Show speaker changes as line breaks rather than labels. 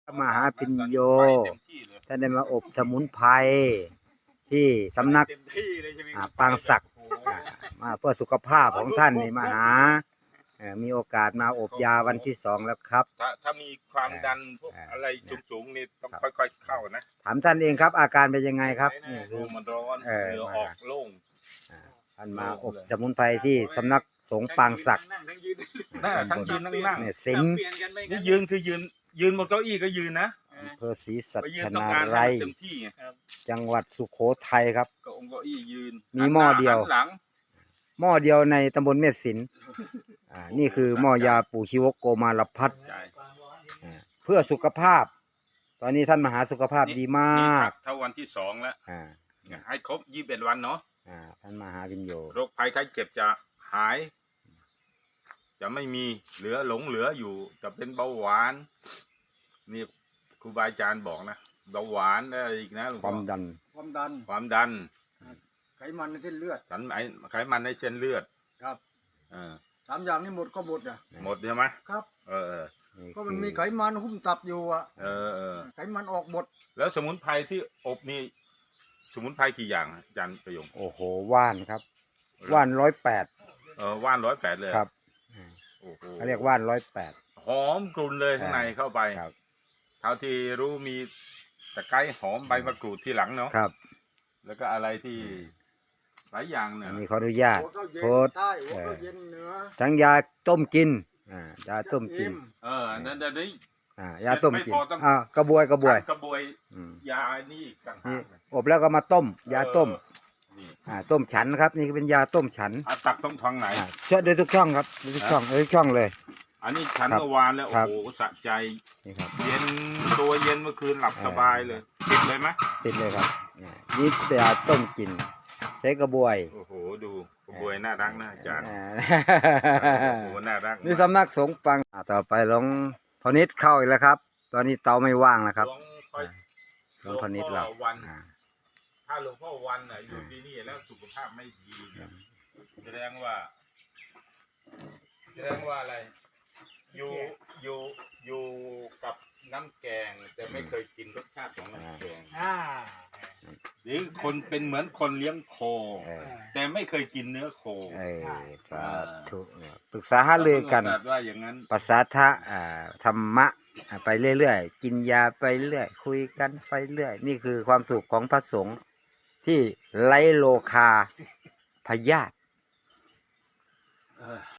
มหาพิญโยท่านได้มาอบสมุนไพรที่สำนักปางศักดิ์มาเพื่อสุขภาพของท่านนี่มาหามีโอกาสมาอบยาวันที่2แล้วครับ
ถ้ามีความดันพวกอะไรสูงๆนี่ต้องค่อยๆเข้านะ
ถามท่านเองครับอาการเป็นยังไงครับนี่
คือมันร้อนเหงื่อออกโล่ง
ท่านมาอบสมุนไพรที่สำนักสงฆ์ปางศักดิ์
ทั้งยืนนั่ง
เนี่ยสิงห์
นี่ยืนคือยืนบนเก้าอี้ก็ยืนนะ
อำเภอศรีสัชนาลัยจังหวัดสุโขทัยครับ
ก็องค์เก้าอี้ยืน
มีหม้อเดียวหม้อเดียวในตำบลเมษสินนี่คือหม้อยาปู่ชีวกโกมารพัฒน์เพื่อสุขภาพตอนนี้ท่านมหาสุขภาพดีมาก
ถ้าวันที่2แล้วให้ครบ21 วันเนาะ
ท่านมหาวิญโย
โรคภัยไข้เจ็บจะหายจะไม่มีเหลืออยู่จะเป็นเบาหวานนี่ครูบาอาจารย์บอกนะเบาหวานอะไรอีกนะ
ความดัน
ไขมันในเส้นเลือด
ไขมันในเส้นเลือด
ครับ3 อย่างนี้หมดก็หมดอ่ะ
หมดใช่ไหม
ครับก็มันมีไขมันหุ้มตับอยู่อ่ะไขมันออกหมด
แล้วสมุนไพรที่อบนี่สมุนไพรกี่อย่างอาจารย์ประยง
โอ้โหว่านครับว่าน
ว่าน108เลย
ครับเขาเรียกว่าน108
หอมกลุ่นเลยข้างในเข้าไปเท่าที่รู้มีตะไคร้หอมใบมะกรูดที่หลังเนาะ
ครับ
แล้วก็อะไรที่หลายอย่างเนี่ย
นี่ขออนุญาตโพสทั้งยาต้มกินยาต้มกิน
นั่นเดี๋ยวนี้
ยาต้มกินกระบวย
ยานี่ต่างหาก
อบแล้วก็มาต้มยาต้มต้มฉันครับนี่เป็นยาต้มฉัน
ตักต้องท้องไหน
ช่วยโดยทุกช่องครับทุกช่องเลย
อันนี้ฉันเมื่อวานแล้วโอ้โหสะใจเย็นตัวเย็นเมื่อคืนหลับสบายเลยติดเลยไหม
ติดเลยครับนี่ยาต้มกินใช้กระบวย
โอ้โหดูกระบวยน่ารักนะอาจารย์โอ้โหน่ารัก
นี่สำนักสงฆ์ปังต่อไปหลวงพ่อนิดเข้าอีกแล้วครับตอนนี้เตาไม่ว่างแล้วครับหลวงพ่อนิดเรา
ถ้าหลวงพ่อวันอยู่ที่นี่แล้วสุขภาพไม่ดีแสดงว่าอะไรอยู่กับน้ำแกงแต่ไม่เคยกินรสชาติของน้ำแกงหรือคนเป็นเหมือนคนเลี้ยงโคแต่ไม่เคยกินเนื้อโค
ครับถูกปรึกษาหารือกัน
ว่าอย่างนั้น
ภาษาธรรมะไปเรื่อยๆกินยาไปเรื่อยคุยกันไปเรื่อยนี่คือความสุขของพระสงฆ์ที่ไร้โลคาพยาธิ